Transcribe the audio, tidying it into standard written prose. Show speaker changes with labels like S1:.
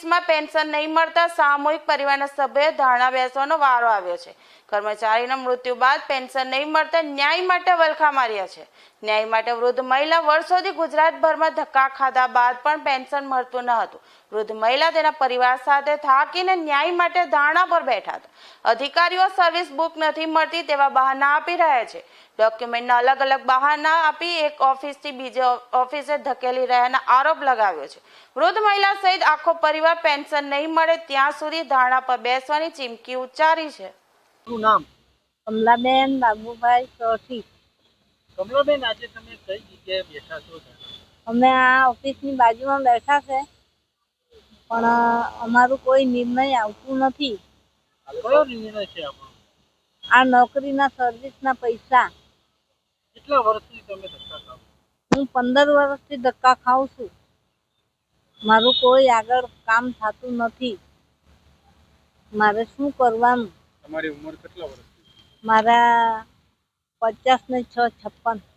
S1: ઓફિસમાં પેન્શન નહીં મળતા સામૂહિક પરિવારના સભ્યોએ ધરણા બેસવાનો વારો આવ્યો છે। કર્મચારીના મૃત્યુ બાદ પેન્શન નહીં મળતા ન્યાય માટે વલખા માર્યા છે। ન્યાય માટે વૃદ્ધ મહિલા વર્ષોથી ગુજરાતભરમાં ધક્કા ખાધા બાદ પણ પેન્શન મળતું ન હતું। વૃદ્ધ મહિલા તેના પરિવાર સાથે થાકીને ન્યાય માટે ધરણા પર બેઠા હતા। અધિકારીઓ સર્વિસ બુક નથી મળતી તેવા બહાના આપી રહ્યા છે। ડોક્યુમેન્ટના અલગ અલગ બહાના આપી એક ઓફિસથી બીજી ઓફિસે ધકેલી રહ્યાના આરોપ લગાવ્યો છે। વૃદ્ધ મહિલા સહિત આખો પરિવાર પેન્શન નહીં મળે ત્યાં સુધી ધરણા પર બેસવાની ચીમકી ઉચ્ચારી છે।
S2: નામ
S3: કમલાબેન બાબુભાઈ સોઠી।
S2: કમલાબેન, આજે તમે કઈ જગ્યાએ બેઠા છો?
S3: અમે આ ઓફિસની બાજુમાં બેઠા છે, પણ અમારું કોઈ નિર્ણય આવતું નથી।
S2: કયો નિર્ણય છે આપણો?
S3: આ નોકરીના સર્વિસના પૈસા।
S2: કેટલા વર્ષથી તમે ધક્કા ખાવ?
S3: હું 15 વર્ષથી ધક્કા ખાઉં છું। મારું કોઈ આગળ કામ થતું નથી। મારે શું કરવાનું?
S2: તમારી ઉંમર કેટલા વર્ષની?
S3: મારા 50 ને 6 56।